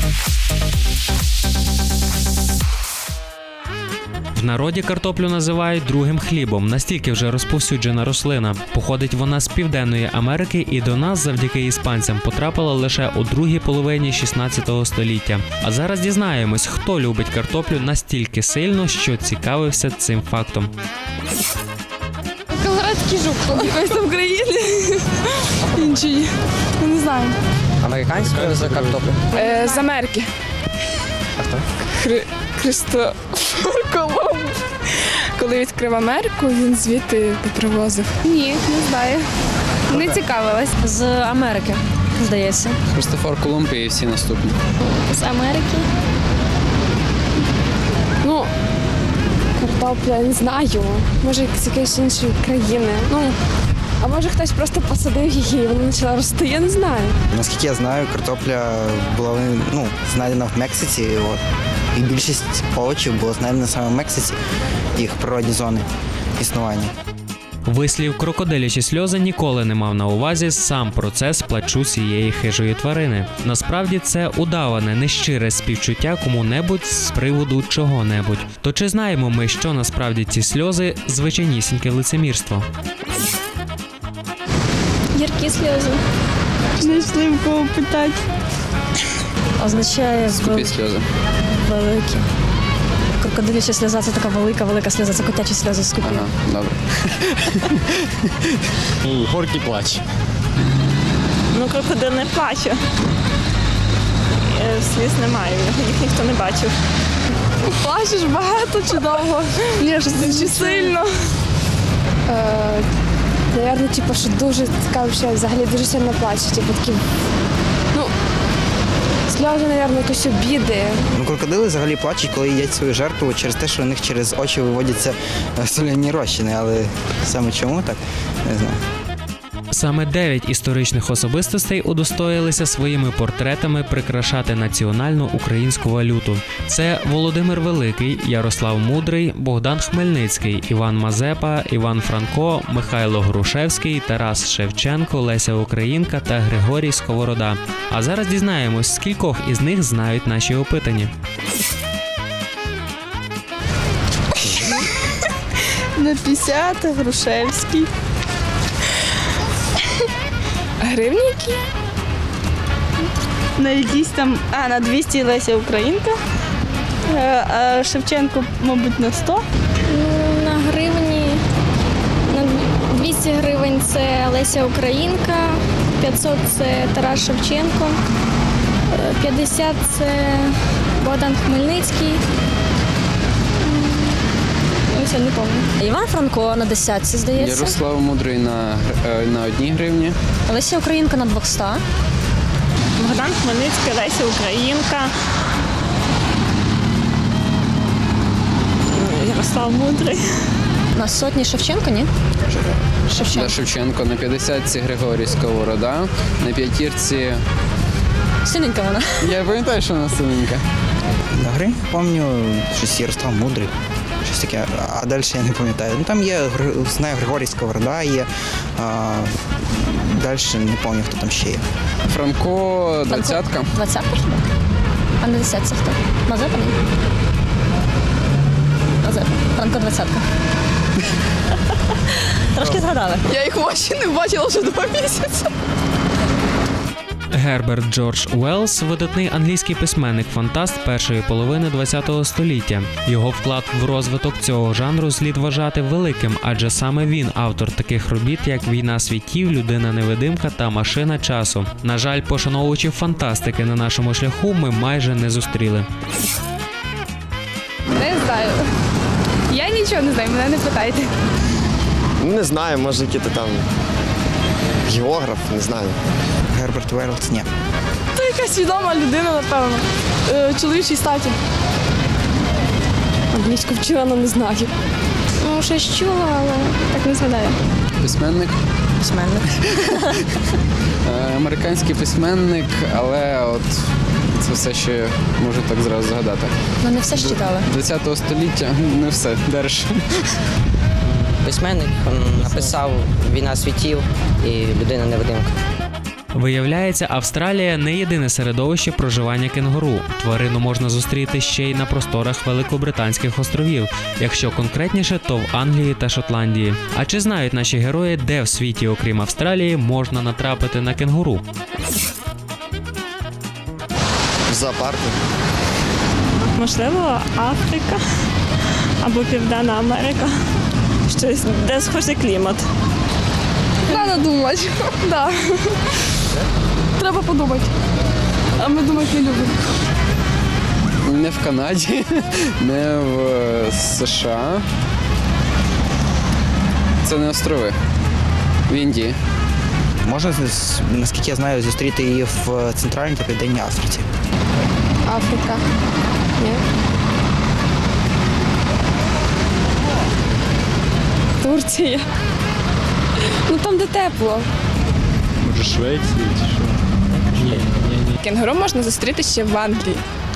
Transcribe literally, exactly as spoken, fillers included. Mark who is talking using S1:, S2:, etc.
S1: В народі картоплю називають другим хлібом, настільки вже розповсюджена рослина. Походить вона з Південної Америки і до нас завдяки іспанцям потрапила лише у другій половині шістнадцятого століття. А зараз дізнаємось, хто любить картоплю настільки сильно, що цікавився цим фактом.
S2: Колорадський жук. Якось там в країні. Інші. Не знаю.
S3: Американською за картоплю?
S2: Е, з Америки.
S3: А хто?
S2: Хри... Христофор Колумб. Коли відкрив Америку, він звідти попривозив. Ні, не знаю. Не цікавилась.
S4: З Америки, здається.
S5: Христофор Колумб і всі наступні.
S4: З Америки.
S2: Ну, картопля, не знаю. Може, з якоїсь іншої країни. Ну, а може хтось просто посадив її і вона почала рости, я не знаю.
S3: Наскільки я знаю, картопля була ну, знайдена в Мексиці. От. І більшість овочів було знайдено саме в Мексиці, їх природні зони існування.
S1: Вислів «крокодилячі сльози» ніколи не мав на увазі сам процес плачу цієї хижої тварини. Насправді це удаване, нещире співчуття кому-небудь з приводу чого-небудь. То чи знаємо ми, що насправді ці сльози – звичайнісіньке лицемірство?
S4: Гіркі сльози.
S2: Знайшли в кого питати.
S4: Означає
S5: Скупі сльози.
S4: великі. Крокодиляча сльоза – це така велика-велика сльоза, це котячі сльози скупі.
S5: Ага, добре.
S6: Горький плач.
S7: Ну, крокодил не плаче. Е, Сліз немає, їх ніхто не бачив.
S2: Плачеш багато чи довго? Ні, чи сильно? Е, Наверно, типу, що дуже цікаво, що взагалі дуже сильно плачу. Типу, такі, ну, сльози, наверно, якось обіди.
S3: Ну, крокодили взагалі плачуть, коли їдять свою жертву через те, що у них через очі виводяться соляні розчини. Але саме чому так, не знаю.
S1: Саме дев'ять історичних особистостей удостоїлися своїми портретами прикрашати національну українську валюту. Це Володимир Великий, Ярослав Мудрий, Богдан Хмельницький, Іван Мазепа, Іван Франко, Михайло Грушевський, Тарас Шевченко, Леся Українка та Григорій Сковорода. А зараз дізнаємось, скількох із них знають наші опитані.
S2: На п'ятдесят Грушевський. Гривні які?
S7: На якісь там, а, на двісті Леся Українка, Е, а Шевченко, мабуть, на сто.
S4: Ну, на гривні, на двісті гривень це Леся Українка, п'ятсот це Тарас Шевченко, п'ятдесят це Богдан Хмельницький. Ось я не пам'ятаю. Іван Франко на десятці, здається.
S5: Ярослав Мудрий на, е, на одній гривні.
S4: Леся Українка на двохсот.
S7: Богдан Хмельницький, Леся Українка. Ярослав Мудрий.
S4: На сотні Шевченко, ні? Шевченко.
S5: Да, Шевченко на п'ятдесятці Григорій Сковорода, на п'ятірці...
S4: Синенька вона.
S5: Я пам'ятаю, що вона синенька.
S3: На гривні, пам'ятаю, щось Ярослав Мудрий, щось таке, а далі я не пам'ятаю. Ну, там є, знаю, Григорій Сковорода є, а далі не пам'ятаю, хто там ще є.
S5: Франко двадцятка.
S4: Двадцятка хіба? А на десятці хто? Мазепа? ні? Мазепа. Франко двадцятка. Трошки згадали.
S2: Я їх в очі не бачила вже два місяці.
S1: Герберт Джордж Уеллс – видатний англійський письменник-фантаст першої половини ХХ століття. Його вклад в розвиток цього жанру слід вважати великим, адже саме він автор таких робіт, як «Війна світів», «Людина-невидимка» та «Машина часу». На жаль, пошановувачів фантастики на нашому шляху ми майже не зустріли.
S2: Не знаю. Я нічого не знаю, мене не питайте.
S6: Не знаю, може який-то там географ, не знаю.
S3: Герберт Уеллс, ні.
S2: Це якась відома людина, напевно. Е, чоловічій статі. Англійську вчила, але не знаю.
S4: Ну, щось чула, але так не згадаю.
S5: Письменник.
S4: Письменник.
S5: Е, Американський письменник, але от це все, що я можу так зразу згадати.
S4: Ну, не все ж читали.
S5: ХХ століття, не все, держ.
S3: Письменник написав «Війна світів» і «Людина-невидимка».
S1: Виявляється, Австралія не єдине середовище проживання кенгуру. Тварину можна зустріти ще й на просторах Великобританських островів, якщо конкретніше, то в Англії та Шотландії. А чи знають наші герої, де в світі, окрім Австралії, можна натрапити на кенгуру?
S6: В зоопарку.
S7: Можливо, Африка або Південна Америка. Щось, де схожий клімат.
S2: Треба думати. Да. Треба подумати. А ми думати не любимо.
S5: Не в Канаді, не в США. Це не острови. В Індії.
S3: Можна, з- наскільки я знаю, зустріти її в Центральній та Південній Африці.
S2: Африка. Ні. Турція. Ну там, де тепло.
S8: Може, Швеції чи що?
S1: Ні, ні, ні.
S2: Кенгуру можна зустріти ще в Англії.